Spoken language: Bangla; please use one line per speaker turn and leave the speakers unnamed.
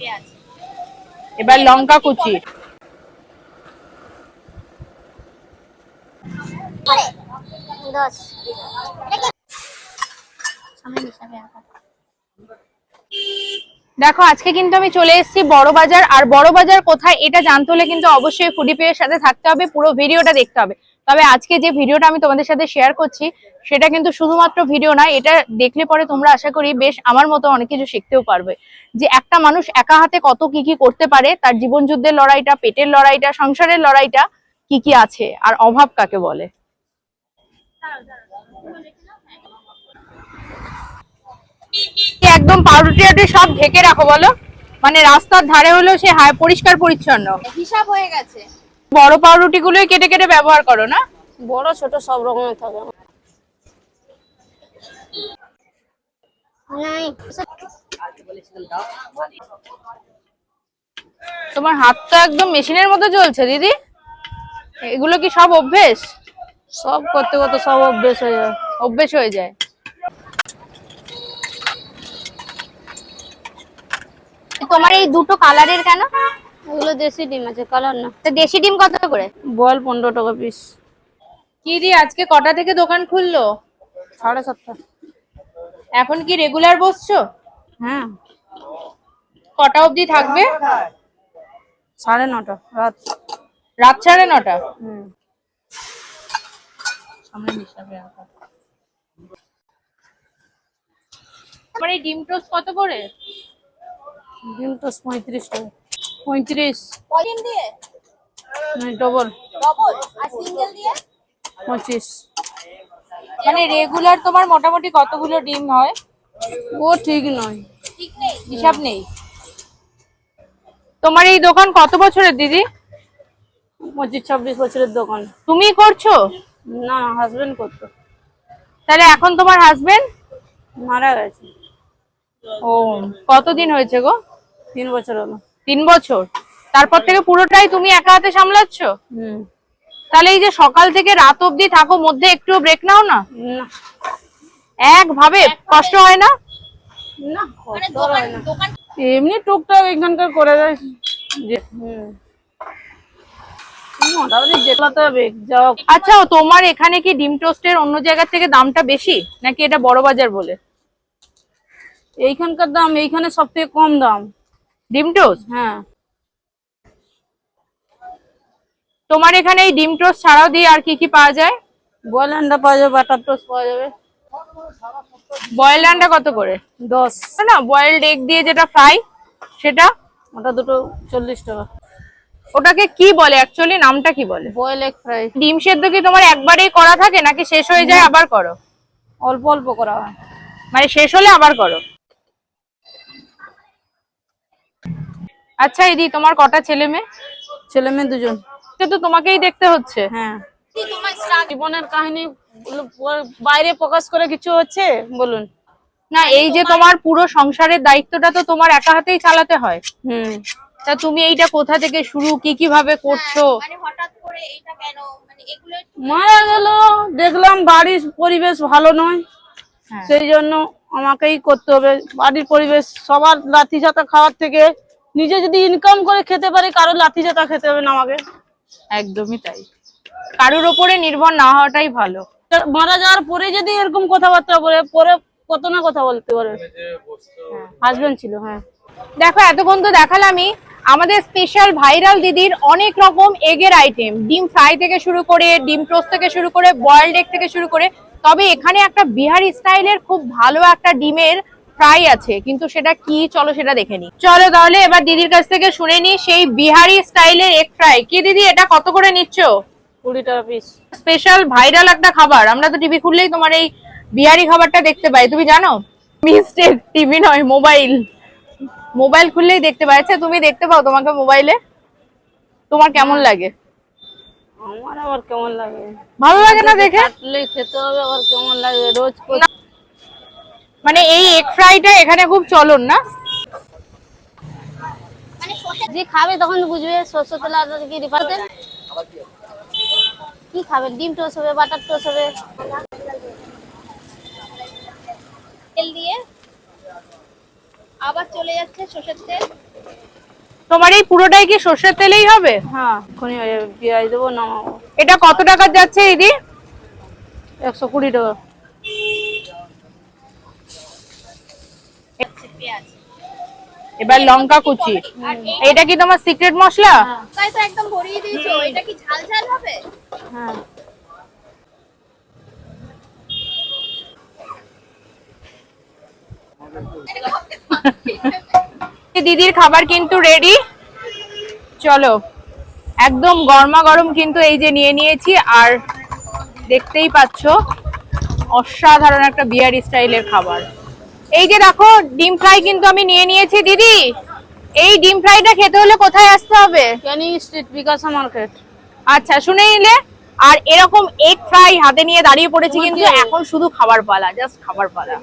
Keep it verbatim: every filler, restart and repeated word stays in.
এবার লঙ্কা কুচি, দেখো আজকে কিন্তু আমি চলে এসেছি বড় বাজার। আর বড় বাজার কোথায় এটা জানতে হলে কিন্তু অবশ্যই ফুডি পেয়ের সাথে থাকতে হবে, পুরো ভিডিওটা দেখতে হবে। তবে আজকে যে ভিডিওটা আমি তোমাদের সাথে শেয়ার করছি সেটা কিন্তু শুধুমাত্র ভিডিও নয়, এটা দেখলে পরে তোমরা আশা করি বেশ আমার মতো অনেক কিছু শিখতেও পারবে, যে একটা মানুষ একা হাতে কত কি কি করতে পারে, তার জীবন যুদ্ধের লড়াইটা, পেটের লড়াইটা, সংসারের লড়াইটা কি কি আছে, আর অভাব কাকে বলে। একদম পাউরুটি আটি সব ঢেকে রাখো বলো, মানে রাস্তার ধারে হলেও সে হায় পরিষ্কার পরিচ্ছন্ন
হিসাব হয়ে গেছে।
বড় পাউরুটি গুলোই কেটে কেটে ব্যবহার করো না?
বড় ছোট সব রকমের থাকে।
তোমার হাত তো একদম মেশিনের মতো চলছে দিদি, এগুলো কি সব অভ্যেস?
সব করতে করতে সব অভ্যেস হয়ে যায়।
অভ্যেস হয়ে যায়। তোমার এই দুটো কালারের কেন?
এগুলো দেশি ডিম আছে, কালার না।
তো দেশি ডিম কত করে?
বল পনেরো টাকা পিস।
কি দি আজকে কটা থেকে দোকান খুললো?
সাড়ে সাতটা।
এখন কি রেগুলার বসছো?
হ্যাঁ।
কটা অবধি থাকবে?
সাড়ে নটা রাত।
রাত সাড়ে নটা?
হুম।
তোমার এই ডিম টোস্ট কত করে?
ডিম টোস্ট পঁয়ত্রিশ টাকা। পঁয়ত্রিশ।
কদিন দিয়ে?
ডবল।
ডবল। আর সিঙ্গেল দিয়ে?
পঁচিশ।
মানে রেগুলার তোমার মোটামুটি কতগুলো ডিম হয়?
ও ঠিক নয়,
ঠিক নেই, হিসাব নেই। তোমার এই দোকান কত বছরের দিদি?
পঁচিশ ছাব্বিশ বছরের দোকান।
তুমি করছো?
না, হাজবেন্ড করতো।
তাহলে এখন তোমার হাজবেন্ড
মারা গেছে।
ও, কতদিন হয়েছে গো?
তিন বছর হলো।
তিন বছর? তারপর থেকে পুরোটাই তুমি একা হাতে সামলাচ্ছ?
হুম।
তাহলে এই যে সকাল থেকে রাত অবধি থাকো, মধ্যে একটু ব্রেক নাও না?
না।
একভাবে কষ্ট হয় না?
না, কষ্ট হয় না। এমনি টুকটাক এখানকার করে দেয়। হুম। মোটামুটি যেতে হবে।
আচ্ছা, তোমার এখানে কি ডিম টোস্টের অন্য জায়গা থেকে দামটা বেশি, নাকি এটা বড় বাজার বলে?
এইখানকার দাম, এইখানে সব থেকে কম দাম
ডিম টোস্ট।
হ্যাঁ।
তোমার এখানে এই ডিম টোস্ট ছাড়াও দিয়ে আর কি কি পাওয়া যায়?
বয়েল আন্ডা পাওয়া যাবে, বাটার টোস্ট পাওয়া যাবে।
বয়েল আন্ডা কত করে?
দশ।
না, বয়েলড এগ দিয়ে যেটা ফ্রাই সেটা?
ওটা দুটো চল্লিশ টাকা।
ওটাকে কি বলে অ্যাকচুয়ালি, নামটা কি বলে?
Boiled egg fry.
ডিম সেদ্ধ কি তোমার একবারেই করা থাকে নাকি শেষ হয়ে যায় আবার করো?
অল্প অল্প করা হয়,
মানে শেষ হলে আবার করো। আচ্ছা দিদি, তোমার কটা ছেলে মেয়ে?
ছেলে মেয়ে দুজন।
তো তোমাকেই দেখতে হচ্ছে।
হ্যাঁ। জীবনের কাহিনী বাইরে প্রকাশ করে কিছু হচ্ছে বলুন
না, এই যে তোমার পুরো সংসারের দায়িত্বটা তো তোমার একা হাতেই চালাতে হয়।
হুম।
তা তুমি এইটা কোথা থেকে শুরু, কি কিভাবে করছো?
মানে হঠাৎ করে এইটা কেন, মানে এগুলো
মারা গেল, দেখলাম বাড়ির পরিবেশ ভালো নয়, সেই জন্য আমাকেই করতে হবে। বাড়ির পরিবেশ, সবার লাঠি ঝাঁটা খাওয়ার থেকে নিজে যদি ইনকাম করে খেতে পারি, কারোর লাঠি ঝাঁটা খেতে হবে না আমাকে।
একদমই তাই, কারোর ওপরে নির্ভর না হওয়াটাই ভালো।
মারা যাওয়ার পরে যদি এরকম কথাবার্তা বলে, পরে কত না কথা বলতে পারে। হাজবেন্ড ছিল। হ্যাঁ।
দেখো এতক্ষণ তো দেখালামই আমাদের স্পেশাল ভাইরাল দিদির অনেক রকম এগের আইটেম, ডিম ফ্রাই থেকে শুরু করে, ডিম টোস্ট থেকে শুরু করে, বয়েলড এগ থেকে শুরু করে। তবে এখানে একটা বিহারি স্টাইলের খুব ভালো একটা ডিমের ফ্রাই আছে, কিন্তু সেটা কি চলো সেটা দেখে নি। চলো তাহলে এবার দিদির কাছ থেকে শুনে নি সেই বিহারি স্টাইলের এগ ফ্রাই। কি দিদি, এটা কত করে নিচ্ছ?
কুড়ি টাকা পিস।
স্পেশাল ভাইরাল একটা খাবার, আমরা তো টিভি খুললেই তোমার এই বিহারি খাবারটা দেখতে পাই, তুমি জানো? মিস্টেক, টিভি নয়, মোবাইল। মোবাইল খুললেই দেখতে পাই। আচ্ছা, তুমি দেখতে পাও তোমাকে মোবাইলে? তোমার কেমন লাগে?
আমার আবার কেমন লাগে?
ভালো লাগে না দেখে?
খেতে হবে, আবার কেমন লাগে রোজ।
মানে এই এগ ফ্রাইটা এখানে খুব চলন না?
যে খাবে তখন বুঝবে সরষের তেল আর কি রিফাইন তেল। কি খাবেন? ডিম টোস্ট হবে, বাটার টোস্ট হবে।
তেল দিয়ে আবার চলে যাচ্ছে সরষের তেল।
তোমার এই পুরোটাই কি সর্ষের তেলেই হবে?
হ্যাঁ, এখনই পেঁয়াজ দেবো, নামাবো।
এটা কত টাকা যাচ্ছে দিদি?
একশো কুড়ি টাকা।
পেঁয়াজ
এবার লঙ্কা কুচি।
আর এই
এটা কি তোমার সিক্রেট মশলা?
তাই তো একদম ভরিয়ে দিয়েছো। এটা কি ঝাল ঝাল হবে?
হ্যাঁ,
দিদির খাবার কিন্তু রেডি। চলো, একদম গরমা গরম কিন্তু এই যে নিয়ে নিয়েছি। আর দেখতেই পাচ্ছ অসাধারণ একটা বিহারি স্টাইলের খাবার। এই যে দেখো ডিম ফ্রাই কিন্তু আমি নিয়ে নিয়েছি। দিদি, এই ডিম ফ্রাইটা খেতে হলে কোথায় আসতে হবে?
ক্যানিং স্ট্রিট, বিকাশা মার্কেট।
আচ্ছা, শুনে নিলে। আর এরকম এগ ফ্রাই হাতে নিয়ে দাঁড়িয়ে পড়েছি কিন্তু, এখন শুধু খাবার পালা, জাস্ট খাবার পালা।